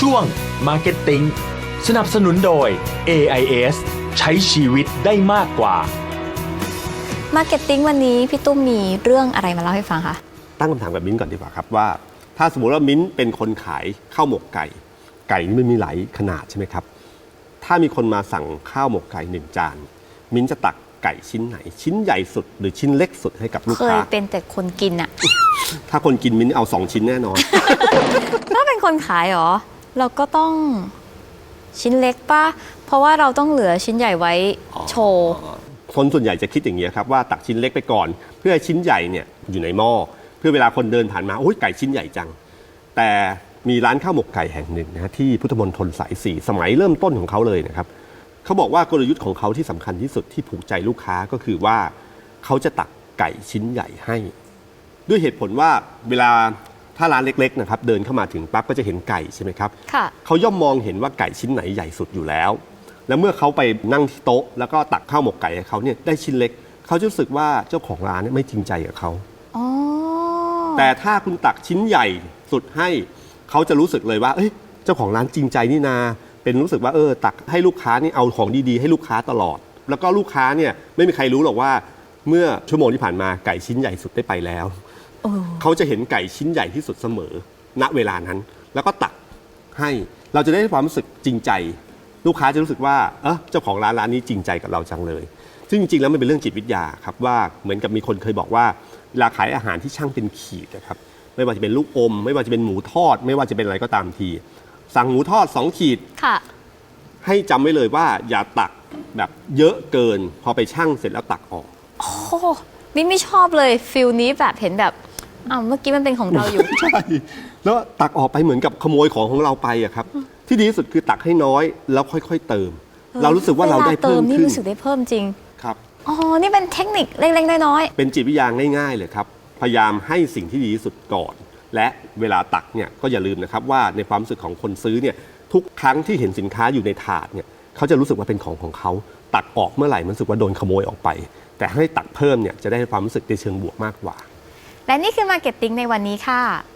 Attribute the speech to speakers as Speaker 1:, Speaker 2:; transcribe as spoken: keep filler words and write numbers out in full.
Speaker 1: ช่วง Marketing สนับสนุนโดย เอ ไอ เอส ใช้ชีวิตได้มากกว่า
Speaker 2: Marketing วันนี้พี่ตุ้มมีเรื่องอะไรมาเล่าให้ฟังคะ
Speaker 3: ตั้งคำถามกับมิ้นก่อนดีกว่าครับว่าถ้าสมมติว่ามิ้นเป็นคนขายข้าวหมกไก่ไก่นี่มันมีหลายขนาดใช่ไหมครับถ้ามีคนมาสั่งข้าวหมกไก่หนึ่งจานมิ้นจะตักไก่ชิ้นไหนชิ้นใหญ่สุดหรือชิ้นเล็กสุดให้กับลูกค้า
Speaker 2: เคยเป็นแต่คนกินอะ
Speaker 3: ถ้าคนกินมิ้นเอาสองชิ้นแน่นอน
Speaker 2: ถ้าเป็นคนขายเหรอเราก็ต้องชิ้นเล็กป่ะเพราะว่าเราต้องเหลือชิ้นใหญ่ไว้โชว์
Speaker 3: คนส่วนใหญ่จะคิดอย่างนี้ครับว่าตักชิ้นเล็กไปก่อนเพื่อชิ้นใหญ่เนี่ยอยู่ในหม้อเพื่อเวลาคนเดินผ่านมาโอ้ยไก่ชิ้นใหญ่จังแต่มีร้านข้าวหมกไก่แห่งหนึ่งนะที่พุทธมณฑลสายสี่สมัยเริ่มต้นของเขาเลยนะครับเขาบอกว่ากลยุทธ์ของเขาที่สำคัญที่สุดที่ผูกใจลูกค้าก็คือว่าเขาจะตักไก่ชิ้นใหญ่ให้ด้วยเหตุผลว่าเวลาถ้าร้านเล็กๆนะครับเดินเข้ามาถึงปั๊บก็จะเห็นไก่ใช่ไหมครับเขาย่อมมองเห็นว่าไก่ชิ้นไหนใหญ่สุดอยู่แล้วแล้วเมื่อเขาไปนั่งที่โต๊ะแล้วก็ตักข้าวหมกไก่ให้เขาเนี่ยได้ชิ้นเล็กเขาจะรู้สึกว่าเจ้าของร้านเนี่ยไม่จริงใจกับเขาแต่ถ้าคุณตักชิ้นใหญ่สุดให้เขาจะรู้สึกเลยว่าเอ้ยเจ้าของร้านจริงใจนี่นาเป็นรู้สึกว่าเออตักให้ลูกค้านี่เอาของดีๆให้ลูกค้าตลอดแล้วก็ลูกค้าเนี่ยไม่มีใครรู้หรอกว่าเมื่อชั่วโมงที่ผ่านมาไก่ชิ้นใหญ่สุดได้ไปแล้วเขาจะเห็นไก่ชิ้นใหญ่ที่สุดเสมอณเวลานั้นแล้วก็ตักให้เราจะได้ความรู้สึกจริงใจลูกค้าจะรู้สึกว่าเออเจ้าของร้านร้านนี้จริงใจกับเราจังเลยซึ่งจริงๆแล้วมันเป็นเรื่องจิตวิทยาครับว่าเหมือนกับมีคนเคยบอกว่าเวลาขายอาหารที่ช่างเป็นขีดนะครับไม่ว่าจะเป็นลูกอมไม่ว่าจะเป็นหมูทอดไม่ว่าจะเป็นอะไรก็ตามทีสั่งหมูทอดสองขีดให้จำไว้เลยว่าอย่าตักแบบเยอะเกินพอไปชั่งเสร็จแล้วตักออก
Speaker 2: โอ้มิ้นไม่ชอบเลยฟิลนี้แบบเห็นแบบอ้าวเมื่อกี้มันเป็นของเราอยู่
Speaker 3: ใช่แล้วตักออกไปเหมือนกับขโมยของของเราไปอะครับที่ดีที่สุดคือตักให้น้อยแล้วค่อยๆเติมเรารู้สึกว่าเราได้เพิ่มขึ้น
Speaker 2: นี่รู้สึกได้เพิ่มจริง
Speaker 3: ครับ
Speaker 2: อ๋อนี่เป็นเทคนิคเล็กๆน้อย
Speaker 3: ๆเป็นจิตวิทยาง่ายๆเลยครับพยายามให้สิ่งที่ดีที่สุดก่อนและเวลาตักเนี่ยก็อย่าลืมนะครับว่าในความรู้สึกของคนซื้อเนี่ยทุกครั้งที่เห็นสินค้าอยู่ในถาดเนี่ยเขาจะรู้สึกว่าเป็นของของเขาตักออกเมื่อไหร่มันรู้สึกว่าโดนขโมยออกไปแต่ให้ตักเพิ่มเนี่ยจะได้ความรู้สึกในเชิงบวกมากกว่า
Speaker 2: และนี่คือ Marketing ในวันนี้ค่ะ